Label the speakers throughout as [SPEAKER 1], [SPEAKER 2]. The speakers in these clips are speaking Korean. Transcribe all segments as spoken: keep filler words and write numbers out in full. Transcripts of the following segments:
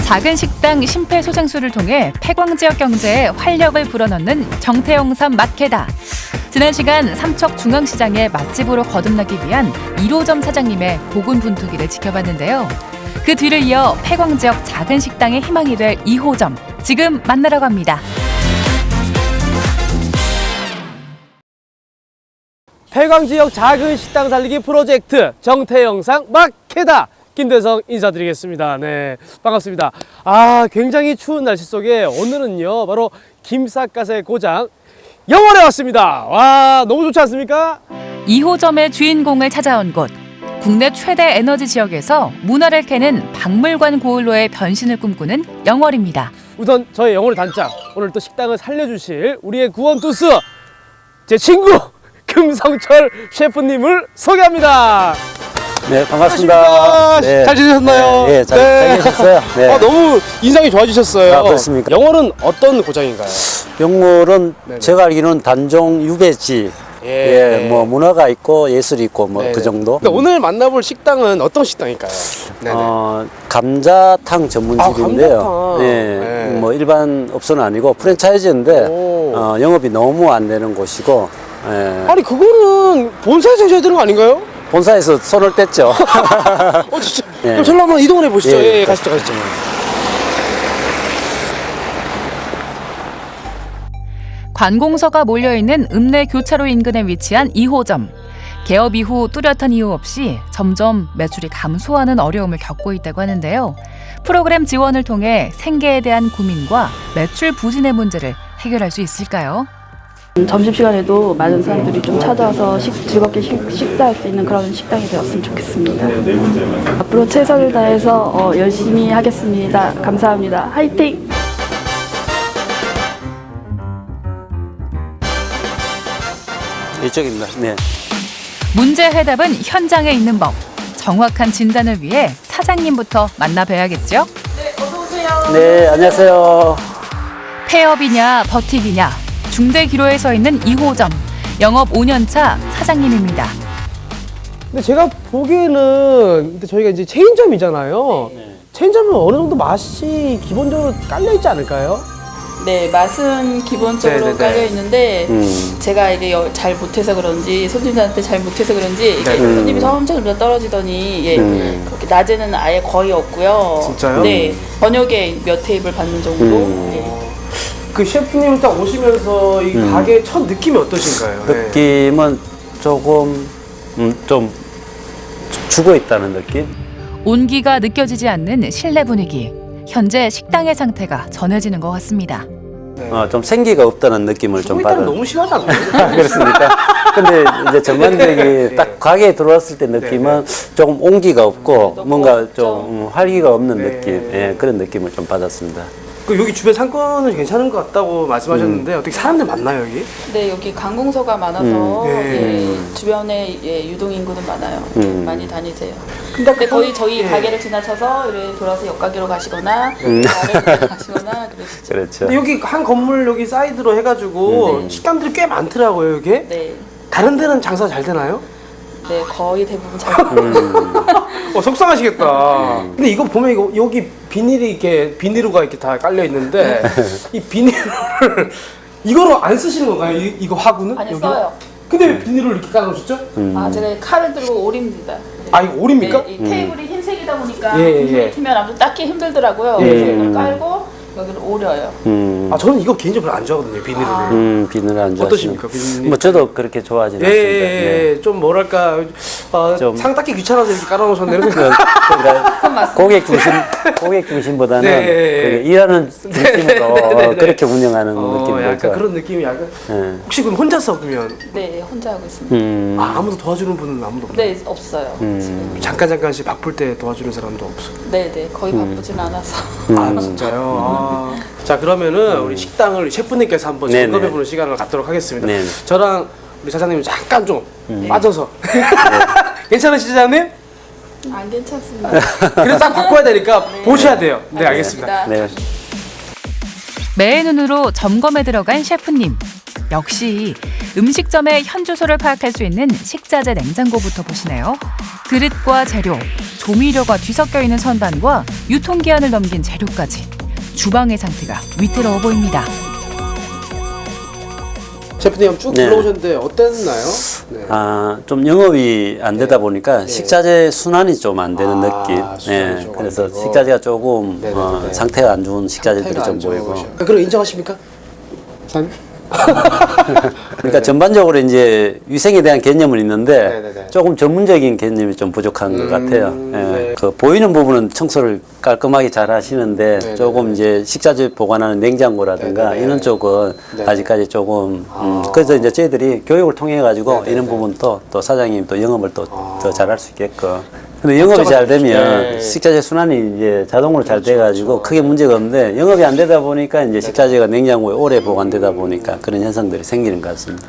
[SPEAKER 1] 작은 식당 심폐소생술을 통해 폐광 지역 경제에 활력을 불어넣는 정태영삼 마케다. 지난 시간 삼척 중앙시장의 맛집으로 거듭나기 위한 일 호점 사장님의 고군분투기를 지켜봤는데요. 그 뒤를 이어 폐광 지역 작은 식당의 희망이 될 이 호점. 지금 만나러 갑니다.
[SPEAKER 2] 폐광 지역 작은 식당 살리기 프로젝트 정태영상 마케다. 김대성 인사드리겠습니다. 네, 반갑습니다. 아, 굉장히 추운 날씨 속에 오늘은요 바로 김삿갓의 고장 영월에 왔습니다. 와, 너무 좋지 않습니까?
[SPEAKER 1] 이 호점의 주인공을 찾아온 곳. 국내 최대 에너지 지역에서 문화를 캐는 박물관 고을로의 변신을 꿈꾸는 영월입니다.
[SPEAKER 2] 우선 저희 영월의 단짝, 오늘 또 식당을 살려주실 우리의 구원투수 제 친구 금성철 셰프님을 소개합니다.
[SPEAKER 3] 네, 반갑습니다.
[SPEAKER 2] 네. 잘 지내셨나요?
[SPEAKER 3] 네, 네, 잘, 잘 계셨어요? 네.
[SPEAKER 2] 아, 너무 인상이 좋아지셨어요.
[SPEAKER 3] 아, 그렇습니까?
[SPEAKER 2] 영월은 어떤 고장인가요?
[SPEAKER 3] 영월은
[SPEAKER 2] 네네.
[SPEAKER 3] 제가 알기로는 단종 유배지.
[SPEAKER 2] 예.
[SPEAKER 3] 예, 뭐 문화가 있고 예술이 있고 뭐
[SPEAKER 2] 네네.
[SPEAKER 3] 그 정도.
[SPEAKER 2] 근데 오늘 만나볼 식당은 어떤 식당일까요? 네네.
[SPEAKER 3] 어, 감자탕 전문집인데요.
[SPEAKER 2] 아, 감자탕.
[SPEAKER 3] 예,
[SPEAKER 2] 네.
[SPEAKER 3] 뭐 일반 업소는 아니고 프랜차이즈인데
[SPEAKER 2] 오.
[SPEAKER 3] 어, 영업이 너무 안 되는 곳이고. 예,
[SPEAKER 2] 아니 그거는 본사에서 해줘야 되는 거 아닌가요?
[SPEAKER 3] 본사에서 손을 뗐죠.
[SPEAKER 2] 어 진짜.
[SPEAKER 3] 예.
[SPEAKER 2] 그럼 저로 한번 이동을 해보시죠.
[SPEAKER 3] 예,
[SPEAKER 2] 예, 예, 가시죠, 가시죠.
[SPEAKER 1] 관공서가 몰려있는 읍내 교차로 인근에 위치한 이 호점. 개업 이후 뚜렷한 이유 없이 점점 매출이 감소하는 어려움을 겪고 있다고 하는데요. 프로그램 지원을 통해 생계에 대한 고민과 매출 부진의 문제를 해결할 수 있을까요?
[SPEAKER 4] 점심시간에도 많은 사람들이 좀 찾아와서 식, 즐겁게 식, 식사할 수 있는 그런 식당이 되었으면 좋겠습니다. 앞으로 최선을 다해서 어, 열심히 하겠습니다. 감사합니다. 화이팅!
[SPEAKER 3] 이쪽입니다. 네.
[SPEAKER 1] 문제 해답은 현장에 있는 법. 정확한 진단을 위해 사장님부터 만나봐야겠죠?
[SPEAKER 3] 네, 안녕하세요.
[SPEAKER 1] 폐업이냐 버티기냐. 중대 기로에 서 있는 이 호점. 영업 오 년 차 사장님입니다.
[SPEAKER 2] 근데 제가 보기에는 근데 저희가 이제 체인점이잖아요. 체인점은 어느 정도 맛이 기본적으로 깔려 있지 않을까요?
[SPEAKER 4] 네, 맛은 기본적으로
[SPEAKER 2] 네네네.
[SPEAKER 4] 깔려 있는데
[SPEAKER 3] 음.
[SPEAKER 4] 제가 이게 여- 잘 못해서 그런지 손님들한테 잘 못해서 그런지 이게
[SPEAKER 2] 네.
[SPEAKER 4] 손님이 점점 더 떨어지더니 예,
[SPEAKER 3] 음.
[SPEAKER 4] 그렇게 낮에는 아예 거의 없고요.
[SPEAKER 2] 진짜요?
[SPEAKER 4] 네, 저녁에 몇 테이블 받는 정도.
[SPEAKER 3] 음.
[SPEAKER 4] 예.
[SPEAKER 2] 그 셰프님 딱 오시면서 이
[SPEAKER 3] 음.
[SPEAKER 2] 가게 첫 느낌이 어떠신가요? 네.
[SPEAKER 3] 느낌은 조금 음, 좀 죽어 있다는 느낌?
[SPEAKER 1] 온기가 느껴지지 않는 실내 분위기. 현재 식당의 상태가 전해지는 것 같습니다.
[SPEAKER 3] 어, 좀 생기가 없다는 느낌을 좀
[SPEAKER 2] 일단
[SPEAKER 3] 받아.
[SPEAKER 2] 너무 심하지 않나요?
[SPEAKER 3] 그렇습니까? 근데 이제 전반적인
[SPEAKER 2] 네.
[SPEAKER 3] 딱 가게에 들어왔을 때 느낌은 조금 온기가 없고
[SPEAKER 4] 너무
[SPEAKER 3] 뭔가
[SPEAKER 4] 없죠.
[SPEAKER 3] 좀 음, 활기가 없는
[SPEAKER 2] 네.
[SPEAKER 3] 느낌, 예, 그런 느낌을 좀 받았습니다.
[SPEAKER 2] 그 여기 주변 상권은 괜찮은 것 같다고 말씀하셨는데 어떻게 사람들 많나요 여기?
[SPEAKER 4] 네, 여기 관공서가 많아서
[SPEAKER 3] 음.
[SPEAKER 2] 네.
[SPEAKER 4] 예, 주변에 예, 유동 인구는 많아요.
[SPEAKER 3] 음.
[SPEAKER 4] 많이 다니세요.
[SPEAKER 2] 근데
[SPEAKER 4] 근데 거의 저희
[SPEAKER 2] 예.
[SPEAKER 4] 가게를 지나쳐서 이렇게 돌아서 옆가게로 가시거나
[SPEAKER 3] 음.
[SPEAKER 4] 다른 데 가시거나 그러시죠.
[SPEAKER 3] 그렇죠.
[SPEAKER 2] 근데 여기 한 건물 여기 사이드로 해가지고
[SPEAKER 3] 음.
[SPEAKER 2] 식당들이 꽤 많더라고요 여기.
[SPEAKER 4] 네,
[SPEAKER 2] 다른 데는 장사 잘 되나요?
[SPEAKER 4] 네 거의 대부분 잘.
[SPEAKER 3] 음.
[SPEAKER 2] 어 속상하시겠다. 근데 이거 보면 이거 여기 비닐이 이렇게 비닐로가 이렇게 다 깔려 있는데 이 비닐을 이거로 안 쓰시는 건가요? 이, 이거 화구는?
[SPEAKER 4] 아니
[SPEAKER 2] 여기?
[SPEAKER 4] 써요.
[SPEAKER 2] 근데 왜 비닐을 이렇게 깔아놓으셨죠?
[SPEAKER 3] 음.
[SPEAKER 4] 아 제가 칼을 들고 오립니다.
[SPEAKER 2] 아 이거 오립니까?
[SPEAKER 4] 네, 이 테이블이 흰색이다 보니까
[SPEAKER 2] 예, 예, 예.
[SPEAKER 4] 흰색이 튀면 아무튼 닦기 힘들더라고요.
[SPEAKER 2] 예,
[SPEAKER 4] 그래서
[SPEAKER 2] 예.
[SPEAKER 4] 이걸 깔고 여기를 오려요.
[SPEAKER 3] 음,
[SPEAKER 2] 아 저는 이거 개인적으로 안 좋아하거든요 비닐을.
[SPEAKER 4] 아.
[SPEAKER 3] 음, 비늘 안 좋아하시는.
[SPEAKER 2] 어떠십니까, 비늘?
[SPEAKER 3] 뭐 저도 그렇게 좋아하지는
[SPEAKER 2] 예,
[SPEAKER 3] 않습니다.
[SPEAKER 2] 예, 예. 좀 뭐랄까 어,
[SPEAKER 3] 좀-
[SPEAKER 2] 상 닦기 귀찮아서 이렇게 깔아놓으셨네.
[SPEAKER 3] 그, 그러니까
[SPEAKER 4] 맞습니다.
[SPEAKER 3] 고객 중심, 고객 중심보다는
[SPEAKER 2] 네, 예, 예.
[SPEAKER 3] 그 일하는 느낌으로 어,
[SPEAKER 2] 네, 네.
[SPEAKER 3] 그렇게 운영하는
[SPEAKER 2] 어,
[SPEAKER 3] 느낌이죠.
[SPEAKER 2] 약간 그런 느낌이 약간.
[SPEAKER 3] 예.
[SPEAKER 2] 혹시 그럼 혼자서 그러면
[SPEAKER 4] 네, 혼자 하고 있습니다.
[SPEAKER 3] 음,
[SPEAKER 2] 아, 아무도 도와주는 분은 아무도 없나요?
[SPEAKER 4] 네, 없어요.
[SPEAKER 3] 음.
[SPEAKER 4] 지금.
[SPEAKER 2] 잠깐 잠깐씩 바쁠 때 도와주는 사람도 없어.
[SPEAKER 4] 네, 네, 거의 바쁘진 않아서.
[SPEAKER 2] 아 진짜요? 아. 자 그러면은 우리 식당을 셰프님께서 한번
[SPEAKER 3] 네네.
[SPEAKER 2] 점검해보는 시간을 갖도록 하겠습니다.
[SPEAKER 3] 네네.
[SPEAKER 2] 저랑 우리 사장님 잠깐 좀 빠져서 괜찮으시죠 사장님?
[SPEAKER 4] 안 괜찮습니다.
[SPEAKER 2] 그래서 딱 바꿔야 되니까 보셔야 돼요. 네 알겠습니다.
[SPEAKER 3] 네.
[SPEAKER 1] 매의 눈으로 점검에 들어간 셰프님. 역시 음식점의 현 주소를 파악할 수 있는 식자재 냉장고부터 보시네요. 그릇과 재료, 조미료가 뒤섞여 있는 선반과 유통기한을 넘긴 재료까지 주방의 상태가 위태로워 보입니다.
[SPEAKER 2] 셰프님 쭉
[SPEAKER 3] 네.
[SPEAKER 2] 둘러오셨는데 어땠나요? 네.
[SPEAKER 3] 아, 좀 영업이 안 되다 보니까 식자재 순환이 좀 안 되는
[SPEAKER 2] 아,
[SPEAKER 3] 느낌.
[SPEAKER 2] 순환이
[SPEAKER 3] 예,
[SPEAKER 2] 좀안
[SPEAKER 3] 그래서
[SPEAKER 2] 되고.
[SPEAKER 3] 식자재가 조금
[SPEAKER 2] 네네네.
[SPEAKER 3] 어, 상태가 안 좋은 식자재들이
[SPEAKER 2] 상태가
[SPEAKER 3] 좀
[SPEAKER 2] 안
[SPEAKER 3] 보이고.
[SPEAKER 2] 좋으셔. 아, 그럼 인정하십니까? 사장님?
[SPEAKER 3] 그러니까 전반적으로 이제 위생에 대한 개념은 있는데
[SPEAKER 2] 네네네.
[SPEAKER 3] 조금 전문적인 개념이 좀 부족한 것 같아요. 예.
[SPEAKER 2] 네.
[SPEAKER 3] 그 보이는 부분은 청소를 깔끔하게 잘 하시는데
[SPEAKER 2] 네네네.
[SPEAKER 3] 조금 이제 식자재 보관하는 냉장고라든가
[SPEAKER 2] 네네네.
[SPEAKER 3] 이런 쪽은
[SPEAKER 2] 네네.
[SPEAKER 3] 아직까지 조금 음,
[SPEAKER 2] 아.
[SPEAKER 3] 그래서 이제 저희들이 교육을 통해 가지고
[SPEAKER 2] 네네네.
[SPEAKER 3] 이런 부분도 또 사장님 또 영업을 또 더
[SPEAKER 2] 아.
[SPEAKER 3] 잘할 수 있게끔. 근데 영업이 잘 되면
[SPEAKER 2] 네.
[SPEAKER 3] 식자재 순환이 이제 자동으로 잘
[SPEAKER 2] 그렇죠,
[SPEAKER 3] 돼가지고
[SPEAKER 2] 그렇죠.
[SPEAKER 3] 크게 문제가 없는데 영업이 안 되다 보니까 이제 식자재가 냉장고에 오래 보관되다 보니까 그런 현상들이 생기는 것 같습니다.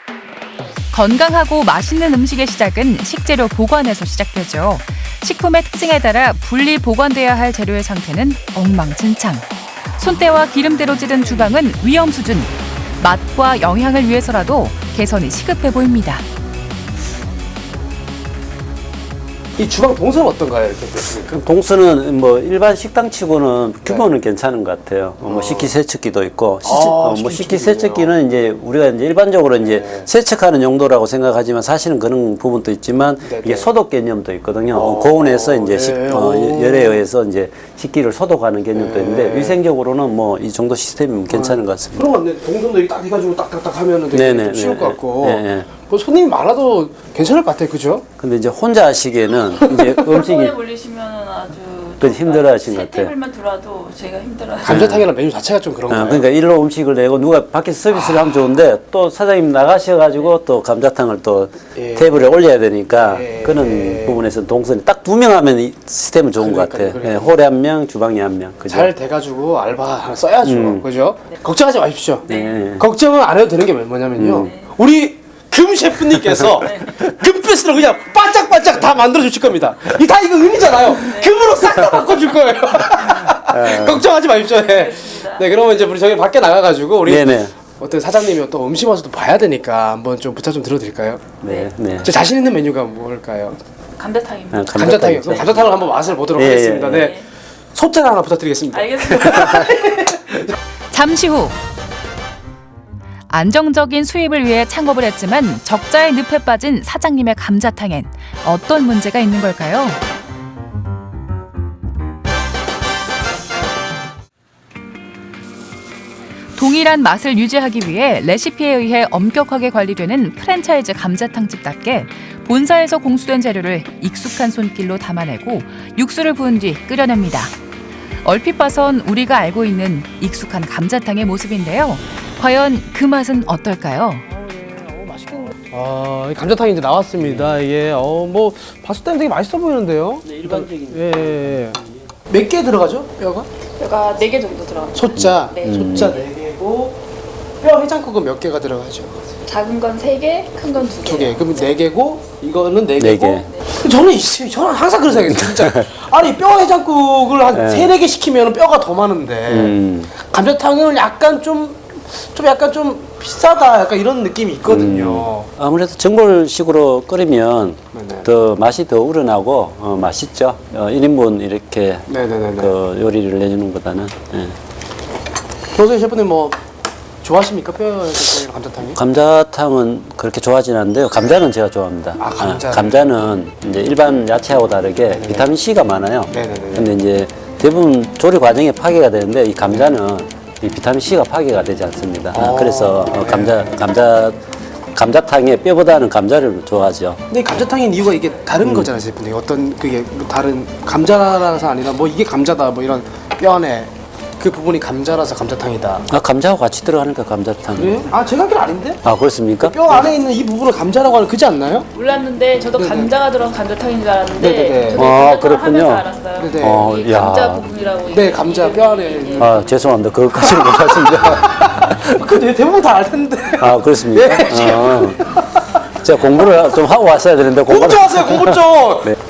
[SPEAKER 1] 건강하고 맛있는 음식의 시작은 식재료 보관에서 시작되죠. 식품의 특징에 따라 분리 보관돼야 할 재료의 상태는 엉망진창. 손때와 기름때로 찌든 주방은 위험 수준. 맛과 영양을 위해서라도 개선이 시급해 보입니다.
[SPEAKER 2] 이 주방 동선은 어떤가요? 이렇게 보시니까?
[SPEAKER 3] 동수는 뭐 일반 식당치고는 규모는 괜찮은 것 같아요. 어, 뭐 식기세척기도 있고, 시치-
[SPEAKER 2] 아,
[SPEAKER 3] 어, 뭐
[SPEAKER 2] 식기세척기도
[SPEAKER 3] 식기세척기는 이제 우리가 이제 일반적으로 이제
[SPEAKER 2] 네.
[SPEAKER 3] 세척하는 용도라고 생각하지만 사실은 그런 부분도 있지만
[SPEAKER 2] 네네.
[SPEAKER 3] 이게 소독 개념도 있거든요.
[SPEAKER 2] 어,
[SPEAKER 3] 어, 고온에서 이제 식,
[SPEAKER 2] 네.
[SPEAKER 3] 어,
[SPEAKER 2] 오.
[SPEAKER 3] 열에 의해서 이제 식기를 소독하는 개념도
[SPEAKER 2] 네.
[SPEAKER 3] 있는데 위생적으로는 뭐 이 정도 시스템이면 괜찮은 것 같습니다.
[SPEAKER 2] 그런 거 같네. 동선도 이렇게 딱 해가지고 딱딱딱 하면은 되게
[SPEAKER 3] 네네,
[SPEAKER 2] 좀 쉬울
[SPEAKER 3] 네,
[SPEAKER 2] 것 같고.
[SPEAKER 3] 네, 네.
[SPEAKER 2] 그 손님이 많아도 괜찮을 것 같아요. 그죠?
[SPEAKER 3] 근데 이제 혼자 하시기에는 이제 음식이
[SPEAKER 5] 한꺼번에 몰리시면 아주
[SPEAKER 3] 그 힘들어하신 것
[SPEAKER 5] 세
[SPEAKER 3] 같아요.
[SPEAKER 5] 테이블만 들어와도 제가 힘들어요.
[SPEAKER 2] 감자탕이랑 메뉴 자체가 좀 그런
[SPEAKER 3] 어,
[SPEAKER 2] 거예요.
[SPEAKER 3] 그러니까 일로 음식을 내고 누가 밖에서 서비스를 하면 좋은데 또 사장님 나가셔가지고 또 감자탕을 또
[SPEAKER 2] 예.
[SPEAKER 3] 테이블에 올려야 되니까
[SPEAKER 2] 예.
[SPEAKER 3] 그런
[SPEAKER 2] 예.
[SPEAKER 3] 부분에서 동선이 딱 두 명 하면 이 시스템은 좋은 것
[SPEAKER 2] 그러니까요,
[SPEAKER 3] 같아요.
[SPEAKER 2] 그러니까요.
[SPEAKER 3] 예, 홀에 한 명, 주방에 한 명. 그죠?
[SPEAKER 2] 잘 돼가지고 알바 하나 써야죠.
[SPEAKER 3] 음.
[SPEAKER 2] 그죠? 걱정하지 마십시오.
[SPEAKER 3] 네.
[SPEAKER 2] 걱정은 안 해도 되는 게 뭐냐면요. 우리 금 셰프님께서 금빛으로 그냥 반짝반짝 다 만들어 주실 겁니다. 이 다 이거 은이잖아요. 금으로 싹 다 바꿔줄 거예요. 걱정하지 마십시오. 네. 네, 그러면 이제 우리 저기 밖에 나가가지고 우리
[SPEAKER 3] 네네.
[SPEAKER 2] 어떤 사장님이 또 음식 맛도 봐야 되니까 한번 좀 부탁 좀 드려드릴까요?
[SPEAKER 3] 네, 네.
[SPEAKER 2] 제 자신 있는 메뉴가 뭘까요?
[SPEAKER 5] 감자탕입니다.
[SPEAKER 3] 아,
[SPEAKER 2] 감자탕이요. 그럼 감자탕을 한번 맛을 보도록
[SPEAKER 3] 예, 예,
[SPEAKER 2] 하겠습니다.
[SPEAKER 3] 예.
[SPEAKER 2] 네. 소짜를 하나 부탁드리겠습니다.
[SPEAKER 5] 알겠습니다.
[SPEAKER 1] 잠시 후 안정적인 수입을 위해 창업을 했지만 적자의 늪에 빠진 사장님의 감자탕엔 어떤 문제가 있는 걸까요? 동일한 맛을 유지하기 위해 레시피에 의해 엄격하게 관리되는 프랜차이즈 감자탕집답게 본사에서 공수된 재료를 익숙한 손길로 담아내고 육수를 부은 뒤 끓여냅니다. 얼핏 봐선 우리가 알고 있는 익숙한 감자탕의 모습인데요. 과연 그 맛은 어떨까요?
[SPEAKER 2] 아, 이 감자탕이 이제 나왔습니다. 이게 어, 뭐 봤을 때는 되게 맛있어 보이는데요.
[SPEAKER 3] 네, 일반적인.
[SPEAKER 2] 예. 예. 몇 개 들어가죠? 뼈가?
[SPEAKER 5] 뼈가 네 개 정도 들어갑니다.
[SPEAKER 2] 소자.
[SPEAKER 5] 네.
[SPEAKER 2] 소자 네 개고 뼈 해장국은 몇 개가 들어가죠?
[SPEAKER 5] 작은 건 세 개, 큰 건 두 개.
[SPEAKER 2] 두 개. 그럼 네 개고 이거는 네
[SPEAKER 3] 네
[SPEAKER 2] 개고.
[SPEAKER 3] 개.
[SPEAKER 2] 저는 이- 저는 항상 그런 생각이에요. 진짜. 아니 뼈 해장국을 한
[SPEAKER 3] 네.
[SPEAKER 2] 세네 개 시키면 뼈가 더 많은데
[SPEAKER 3] 음.
[SPEAKER 2] 감자탕은 약간 좀 좀 약간 좀 비싸다 약간 이런 느낌이 있거든요.
[SPEAKER 3] 아무래도 전골식으로 끓이면
[SPEAKER 2] 네네.
[SPEAKER 3] 더 맛이 더 우러나고 어, 맛있죠. 어, 일 인분 이렇게
[SPEAKER 2] 네네네네.
[SPEAKER 3] 그 요리를 내주는 것보다는. 예.
[SPEAKER 2] 교수님 셰프님 뭐 좋아하십니까 뼈 해장국이랑 감자탕이?
[SPEAKER 3] 감자탕은 그렇게 좋아하진 않는데요. 감자는 제가 좋아합니다.
[SPEAKER 2] 아, 감자를.
[SPEAKER 3] 감자는 이제 일반 야채하고 다르게 비타민 C가 많아요.
[SPEAKER 2] 네네네.
[SPEAKER 3] 근데 이제 대부분 조리 과정에 파괴가 되는데 이 감자는 이 비타민 C가 파괴가 되지 않습니다.
[SPEAKER 2] 아,
[SPEAKER 3] 그래서 어,
[SPEAKER 2] 네.
[SPEAKER 3] 감자 감자 감자탕에 뼈보다는 감자를 좋아하죠.
[SPEAKER 2] 근데 이 감자탕인 이유가 이게 다른 거잖아요, 셰프님. 어떤 그게 뭐 다른 감자라서 아니라 뭐 이게 감자다 뭐 이런 뼈 안에 그 부분이 감자라서 감자탕이다.
[SPEAKER 3] 아, 감자하고 같이 들어가니까 감자탕.
[SPEAKER 2] 그래요? 아 제가 알기로 아닌데?
[SPEAKER 3] 아, 그렇습니까?
[SPEAKER 2] 뼈 안에 있는 이 부분을 감자라고 하는 그지 않나요?
[SPEAKER 5] 몰랐는데 저도 감자가 들어간 감자탕인 줄 알았는데
[SPEAKER 2] 네네네.
[SPEAKER 5] 저도
[SPEAKER 3] 아,
[SPEAKER 5] 감자탕
[SPEAKER 3] 그렇군요.
[SPEAKER 5] 하면서 알았어요.
[SPEAKER 2] 네네.
[SPEAKER 3] 어,
[SPEAKER 5] 이
[SPEAKER 3] 야.
[SPEAKER 5] 감자 부분이라고.
[SPEAKER 2] 네,
[SPEAKER 5] 이게
[SPEAKER 2] 감자
[SPEAKER 5] 이름이,
[SPEAKER 2] 뼈 안에
[SPEAKER 5] 예,
[SPEAKER 2] 있는.
[SPEAKER 3] 아, 죄송합니다. 그것까지는 몰랐습니다.
[SPEAKER 2] 근데 대부분 다 알 텐데.
[SPEAKER 3] 아, 그렇습니까?
[SPEAKER 2] 예.
[SPEAKER 3] 아, 제가 공부를 좀 하고 왔어야 되는데
[SPEAKER 2] 공부
[SPEAKER 3] 공부를
[SPEAKER 2] 좀 하세요, 공부 좀.
[SPEAKER 3] 네.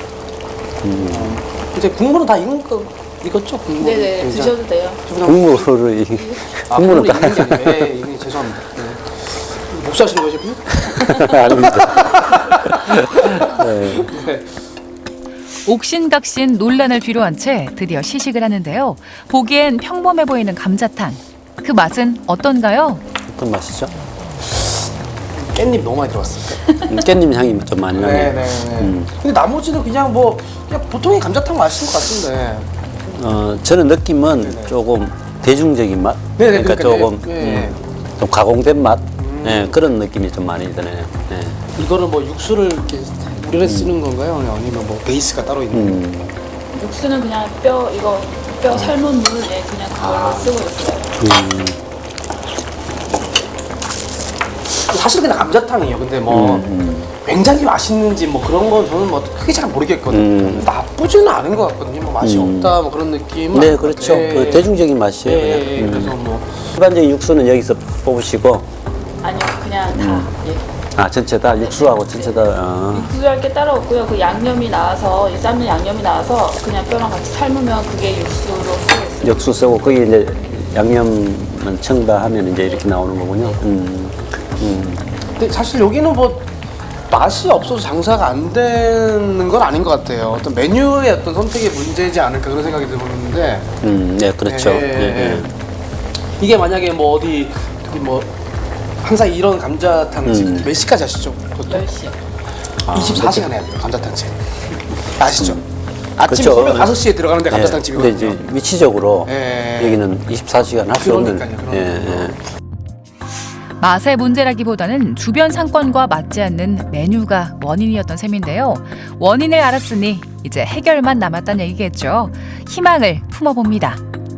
[SPEAKER 2] 이제 국물은 다 익은 거 익었죠, 국물.
[SPEAKER 5] 네네
[SPEAKER 2] 이제.
[SPEAKER 5] 드셔도 돼요.
[SPEAKER 3] 국물을 이
[SPEAKER 2] 아,
[SPEAKER 3] 국물을
[SPEAKER 2] 국물이
[SPEAKER 3] 다
[SPEAKER 2] 익은 게 아니에요. 예, 이게 죄송합니다. 네. 복수하시는 거죠, 셰프님?
[SPEAKER 3] 아닙니다. 네.
[SPEAKER 2] 네.
[SPEAKER 1] 옥신각신 논란을 뒤로한 채 드디어 시식을 하는데요. 보기엔 평범해 보이는 감자탕. 그 맛은 어떤가요?
[SPEAKER 3] 어떤 맛이죠?
[SPEAKER 2] 깻잎 너무 많이 들어갔어요.
[SPEAKER 3] 음, 깻잎 향이 좀 많이 나네요.
[SPEAKER 2] 네네네.
[SPEAKER 3] 음.
[SPEAKER 2] 근데 나머지는 그냥 뭐 그냥 보통의 감자탕 맛인 것 같은데.
[SPEAKER 3] 어, 저는 느낌은 조금 대중적인 맛?
[SPEAKER 2] 네네,
[SPEAKER 3] 그러니까
[SPEAKER 2] 그러니까
[SPEAKER 3] 조금
[SPEAKER 2] 네.
[SPEAKER 3] 음, 좀 가공된 맛? 예, 그런 느낌이 좀 많이 드네요. 예.
[SPEAKER 2] 이거는 뭐 육수를 이렇게 우려내 쓰는 건가요? 아니면 뭐 베이스가 따로 있는 건가요?
[SPEAKER 3] 음,
[SPEAKER 5] 육수는 그냥 뼈 이거 뼈 삶은 물에 그냥 그걸로 쓰고 있어요.
[SPEAKER 3] 음,
[SPEAKER 2] 사실 그냥 감자탕이에요. 근데 뭐
[SPEAKER 3] 음,
[SPEAKER 2] 굉장히 맛있는지 뭐 그런 건 저는 뭐 크게 잘 모르겠거든요.
[SPEAKER 3] 음.
[SPEAKER 2] 나쁘지는 않은 것 같거든요. 뭐 맛이
[SPEAKER 3] 음.
[SPEAKER 2] 없다 뭐 그런 느낌은
[SPEAKER 3] 네,
[SPEAKER 2] 아닌 것
[SPEAKER 3] 그렇죠.
[SPEAKER 2] 같아요.
[SPEAKER 3] 그 대중적인 맛이에요.
[SPEAKER 2] 예,
[SPEAKER 3] 그냥.
[SPEAKER 2] 예, 예.
[SPEAKER 3] 음.
[SPEAKER 2] 그래서 뭐
[SPEAKER 3] 일반적인 육수는 여기서 뽑으시고,
[SPEAKER 5] 아니요, 그냥 다. 예.
[SPEAKER 3] 아, 전체 다, 육수하고 전체 다, 아,
[SPEAKER 5] 육수할 게 따로 없고요. 그 양념이 나와서 이 삶은 양념이 나와서 그냥 뼈랑 같이 삶으면 그게 육수로 쓰고 있어요.
[SPEAKER 3] 육수 쓰고, 거기 이제 양념만 첨가하면 이제 이렇게 나오는 거군요. 음, 음.
[SPEAKER 2] 근데 사실 여기는 뭐 맛이 없어서 장사가 안 되는 건 아닌 것 같아요. 어떤 메뉴의 어떤 선택의 문제지 않을까 그런 생각이 들었는데
[SPEAKER 3] 음, 네, 그렇죠.
[SPEAKER 2] 예,
[SPEAKER 3] 예,
[SPEAKER 2] 예.
[SPEAKER 3] 예.
[SPEAKER 2] 이게 만약에 뭐 어디 어디 뭐 항상 이런 감자탕집
[SPEAKER 3] 음.
[SPEAKER 2] 몇 시까지 하시죠? 보통?
[SPEAKER 5] 열 시.
[SPEAKER 2] 이십사 시간 해야 돼요 감자탕집. 아시죠? 아침
[SPEAKER 3] 그렇죠.
[SPEAKER 2] 새벽 다섯 시에 들어가는데
[SPEAKER 3] 예.
[SPEAKER 2] 감자탕집이거든요.
[SPEAKER 3] 근데 이제 위치적으로
[SPEAKER 2] 예.
[SPEAKER 3] 여기는 이십사 시간 할 수 없는.
[SPEAKER 2] 그러니까요,
[SPEAKER 3] 예,
[SPEAKER 2] 그러니까요.
[SPEAKER 3] 예.
[SPEAKER 1] 맛의 문제라기보다는 주변 상권과 맞지 않는 메뉴가 원인이었던 셈인데요. 원인을 알았으니 이제 해결만 남았다는 얘기겠죠. 희망을 품어봅니다.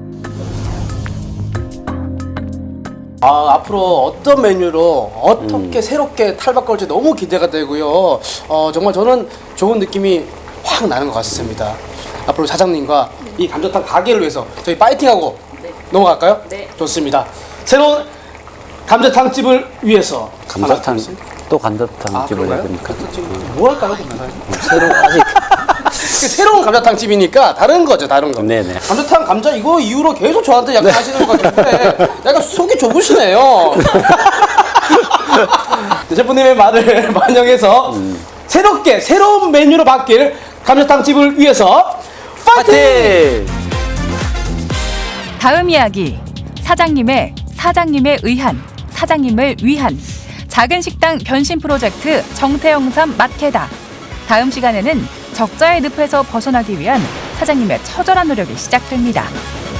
[SPEAKER 2] 아, 앞으로 어떤 메뉴로 어떻게 새롭게 탈바꿈할지 너무 기대가 되고요. 어, 정말 저는 좋은 느낌이 확 나는 것 같습니다. 앞으로 사장님과 이 감자탕 가게를 위해서 저희 파이팅하고 넘어갈까요?
[SPEAKER 5] 네.
[SPEAKER 2] 좋습니다. 새로운 감자탕집을 위해서
[SPEAKER 3] 감자탕,
[SPEAKER 2] 하나, 둘, 셋.
[SPEAKER 3] 또 감자탕
[SPEAKER 2] 아,
[SPEAKER 3] 집을 해야
[SPEAKER 2] 그런가요?
[SPEAKER 3] 되니까.
[SPEAKER 2] 감자탕집 뭐 할까요? 그러면 사장님?
[SPEAKER 3] 새로 아직.
[SPEAKER 2] 새로운 감자탕집이니까 다른 거죠, 다른 거.
[SPEAKER 3] 네네.
[SPEAKER 2] 감자탕 감자 이거 이후로 계속 저한테 약간 하시는 것 같은데 약간 속이 좁으시네요. 셰프님의 말을 반영해서 새롭게 새로운 메뉴로 바뀔 감자탕집을 위해서 파이팅!
[SPEAKER 3] 파이팅!
[SPEAKER 1] 다음 이야기. 사장님의 사장님에 의한 사장님을 위한 작은 식당 변신 프로젝트 정태영삼 마케다. 다음 시간에는 적자의 늪에서 벗어나기 위한 사장님의 처절한 노력이 시작됩니다.